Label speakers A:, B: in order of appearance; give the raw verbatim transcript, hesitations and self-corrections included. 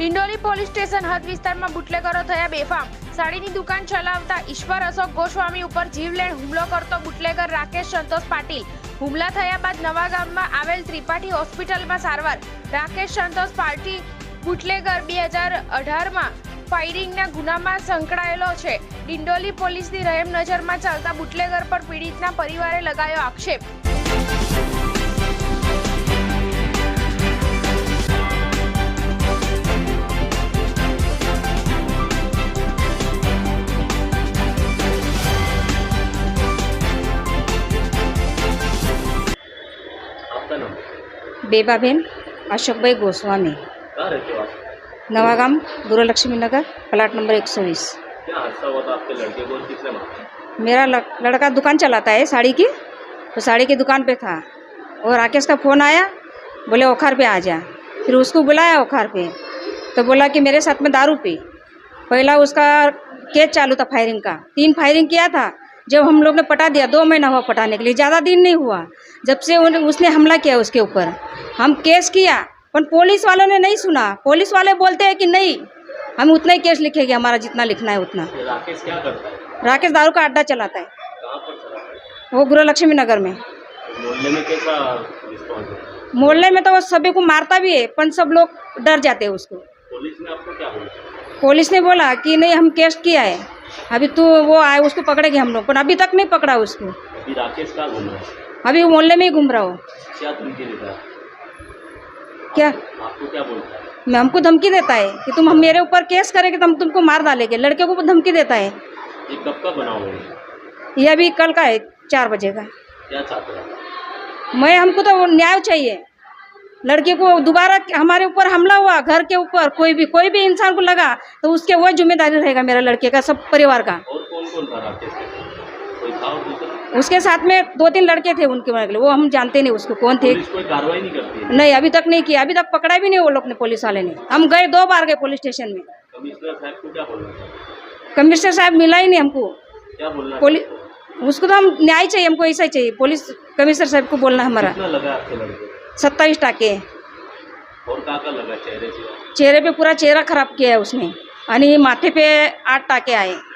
A: Dindoli police station હદ વિસ્તારમાં બુટલેગરો થયા બેફામ। સાડીની દુકાન ચલાવતા ઈશ્વર અશોક ગોસ્વામી ઉપર જીવલેણ હુમલો કરતો બુટલેગર રાકેશ સંતોષ પાટીલ। હુમલા થયા બાદ નવાગામમાં આવેલ ત્રિપાઠી હોસ્પિટલમાં સારવાર। રાકેશ સંતોષ પાટીલ બુટલેગર બે હજાર અઢારમાં ફાયરિંગના ગુનામાં સંકળાયેલો છે। ડિંડોલી પોલીસની રહેમ નજરમાં ચાલતા બુટલેગર પર પીડિતના પરિવારે લગાવ્યો આક્ષેપ।
B: बेबाबेन अशोक भाई गोस्वामी,
C: कहाँ रहते हो आप?
B: नवागाम गुरुलक्ष्मी नगर, प्लाट नंबर एक सौ बीस।
C: क्या हादसा हुआ था आपके लड़के को? किसने मारा?
B: मेरा लड़का दुकान चलाता है साड़ी की, तो साड़ी की दुकान पे था और राकेश का फ़ोन आया, बोले ओखार पे आ जा। फिर उसको बुलाया ओखार पे, तो बोला कि मेरे साथ में दारू पी। पहला उसका केस चालू था फायरिंग का, तीन फायरिंग किया था। जब हम लोग ने पटा दिया, दो महीना हुआ पटाने के लिए, ज़्यादा दिन नहीं हुआ। जब से उसने हमला किया उसके ऊपर, हम केस किया, पर पुलिस वालों ने नहीं सुना। पुलिस वाले बोलते हैं कि नहीं, हम उतना ही केस लिखेंगे, हमारा जितना लिखना है उतना।
C: राकेश क्या करता है?
B: राकेश दारू का अड्डा चलाता है।
C: कहाँ पर चलाता है?
B: वो गुरुलक्ष्मी नगर में।
C: मोहल्ले में कैसा रिस्पॉन्स है?
B: मोहल्ले में तो वो सभी को मारता भी है, पर सब लोग डर जाते हैं उसको।
C: पुलिस ने आपको क्या बोला?
B: पुलिस ने बोला कि नहीं, हम केस किया है, अभी तो वो आए उसको पकड़ेंगे हम लोग, पर अभी तक नहीं पकड़ा उसको।
C: अभी राकेश कहाँ घूम रहा है?
B: अभी वो मोहल्ले में ही घूम रहा हो।
C: क्या धमकी देता है?
B: क्या
C: आपको क्या बोलता है?
B: मैं हमको धमकी देता है कि तुम हम मेरे ऊपर केस करेंगे तो हम तुमको मार डालेंगे। लड़के को धमकी देता है।
C: ये कब का बना हुआ है?
B: ये अभी कल का है, चार बजे का।
C: क्या चाहते हैं?
B: मैं हमको तो न्याय चाहिए। लड़के को दोबारा हमारे ऊपर हमला हुआ, घर के ऊपर कोई भी कोई भी इंसान को लगा तो उसके वह जिम्मेदारी रहेगा, मेरा लड़के का, सब परिवार का।
C: और कौन कौन था राकेश के साथ? कोई था और दूसरा?
B: उसके साथ में दो तीन लड़के थे, उनके लिए वो हम जानते नहीं उसको कौन थे।
C: पुलिस कोई कार्रवाई नहीं करती है?
B: नहीं, अभी तक नहीं किया, अभी तक पकड़ा भी नहीं वो लोग ने, पुलिस वाले ने। हम गए, दो बार गए पुलिस स्टेशन में।
C: कमिश्नर साहब को क्या बोलना है?
B: कमिश्नर साहब मिला ही नहीं हमको।
C: क्या बोलना है?
B: पुलिस उसको तो हम न्याय चाहिए, हमको ऐसा ही चाहिए। पुलिस कमिश्नर साहब को बोलना हमारा।
C: कितना लगा आपके लड़के?
B: सत्ताईस टाके।
C: और कहाँ का लगा चेहरे से?
B: चेहरे पे पूरा चेहरा खराब किया है उसने, यानी माथे पे आठ टाके आए।